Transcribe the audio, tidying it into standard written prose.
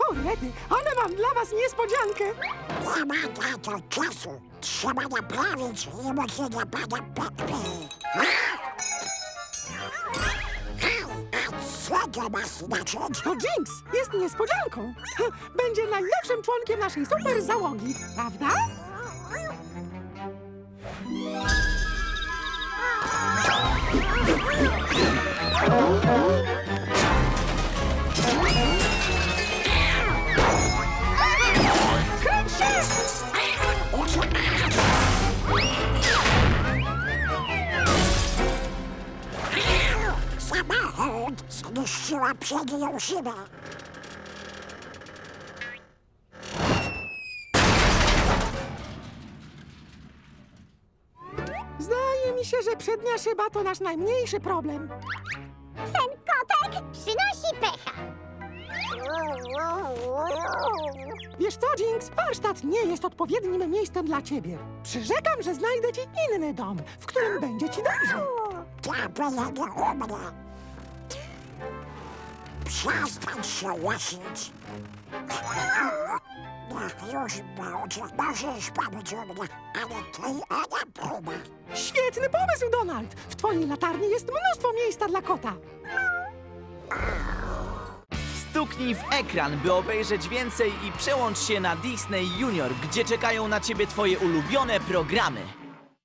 rety, ale mam dla was niespodziankę. Nie ma na to czasu. Trzeba naprawić emocjonalne pana Pepe. A co to ma znaczyć? To Jinx jest niespodzianką. Będzie najnowszym członkiem naszej super załogi, prawda? Kręć się! Samochód zniszczyła przednią szybę. Zdaje mi się, że przednia szyba to nasz najmniejszy problem. Ten kotek przynosi pecha. Wiesz co, Jinx? Warsztat nie jest odpowiednim miejscem dla ciebie. Przyrzekam, że znajdę ci inny dom, w którym będzie ci dobrze. Diablo nie umrze. Przestań się łasić. Już będzie, możesz pomóc u mnie, ale ty nie próba. Świetny pomysł, Donald! W twojej latarni jest mnóstwo miejsca dla kota. Stuknij w ekran, by obejrzeć więcej i przełącz się na Disney Junior, gdzie czekają na ciebie twoje ulubione programy.